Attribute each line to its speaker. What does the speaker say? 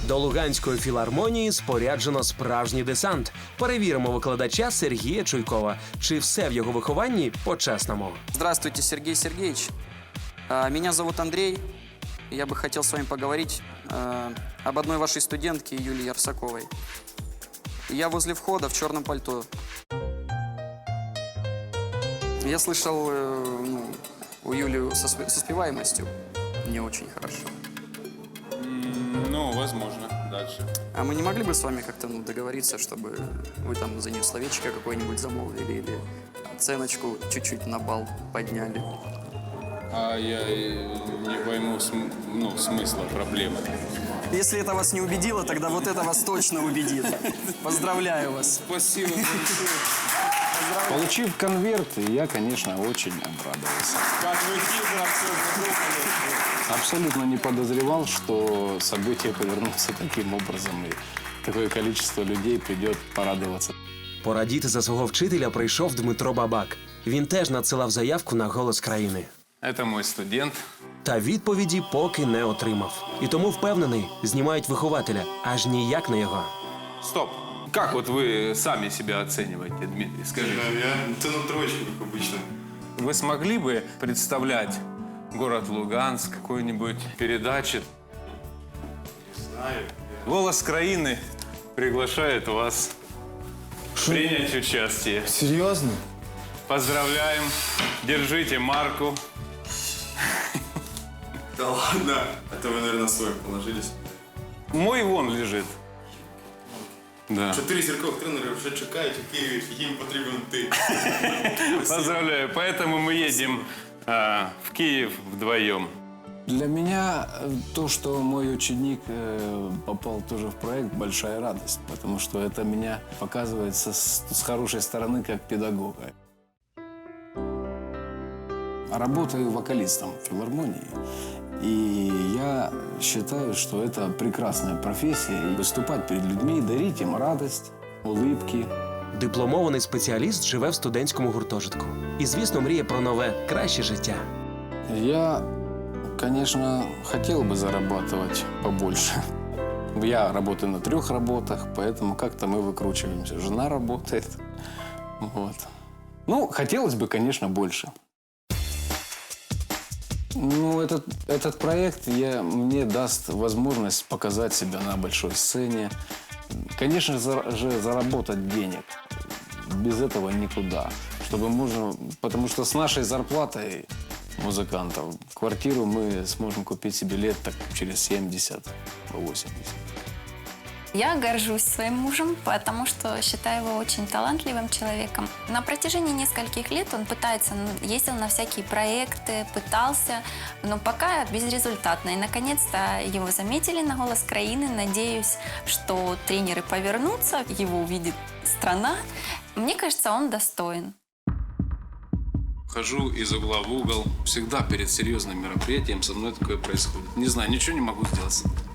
Speaker 1: До Луганської філармонії споряджено справжній десант. Перевіримо викладача Сергія Чуйкова. Чи все в його вихованні по-чесному?
Speaker 2: Здравствуйте, Сергей Сергеевич. Меня зовут Андрей. Я бы хотел с вами поговорить об одной вашей студентке, Юлии Ярсаковой. Я возле входа в черном пальто. Я слышал, у Юли со успеваемостью не очень хорошо.
Speaker 3: Ну, возможно. Дальше.
Speaker 2: А мы не могли бы с вами как-то договориться, чтобы вы там за нее словечко какое-нибудь замолвили или оценочку чуть-чуть на балл подняли?
Speaker 3: А я не пойму смысла проблемы.
Speaker 2: Если это вас не убедило, тогда вот это вас точно убедит. Поздравляю вас.
Speaker 3: Спасибо большое.
Speaker 4: Получив конверт, я, конечно, очень обрадовался.
Speaker 3: Как вы хитро все задумали.
Speaker 4: Абсолютно не подозревал, что события повернутся таким образом, и такое количество людей придет порадоваться.
Speaker 1: Порадіти за свого вчителя прийшов Дмитро Бабак. Він теж надсилав заявку на «Голос країни».
Speaker 3: Это мой студент.
Speaker 1: Та відповіді поки не отримав. І тому впевнений, знімають вихователя, аж ніяк не його.
Speaker 3: Стоп. Как вот вы сами себя оцениваете, Дмитрий? Скажите.
Speaker 5: Я цену троечку, как обычно.
Speaker 3: Вы смогли бы представлять город Луганск в какой-нибудь передаче?
Speaker 5: Знаю.
Speaker 3: «Голос країни» приглашает вас принять участие.
Speaker 5: Серьезно?
Speaker 3: Поздравляем. Держите марку.
Speaker 5: Да ладно. А то вы, наверное, свой положились.
Speaker 3: Мой вон лежит. Да.
Speaker 5: 4 зіркових тренери вже чекають у Києві, їм потрібен ти.
Speaker 3: Поздравляю. Поэтому мы едем в Киев вдвоем.
Speaker 4: Для меня то, что мой ученик попал тоже в проект, большая радость, потому что это меня показывает с хорошей стороны как педагога. Работаю вокалистом в филармонии, и я считаю, что это прекрасная профессия. И выступать перед людьми, дарить им радость, улыбки.
Speaker 1: Дипломований спеціаліст живе в студентському гуртожитку. І, звісно, мріє про нове, краще життя.
Speaker 4: Я, конечно, хотел бы зарабатывать побольше. Я работаю на 3 работах, поэтому как-то мы выкручиваемся. Жена работает. Вот. Ну, хотелось бы, конечно, больше. Ну, этот проект мне даст возможность показать себя на большой сцене. Конечно же, заработать денег. Без этого никуда. Чтобы можно, потому что с нашей зарплатой музыкантов квартиру мы сможем купить себе лет так через 70-80.
Speaker 6: Я горжусь своим мужем, потому что считаю его очень талантливым человеком. На протяжении нескольких лет он ездил на всякие проекты, пытался, но пока безрезультатно. И, наконец-то, его заметили на «Голос країни». Надеюсь, что тренеры повернутся, его увидит страна. Мне кажется, он достоин.
Speaker 7: Хожу из угла в угол. Всегда перед серьезным мероприятием со мной такое происходит. Не знаю, ничего не могу сделать.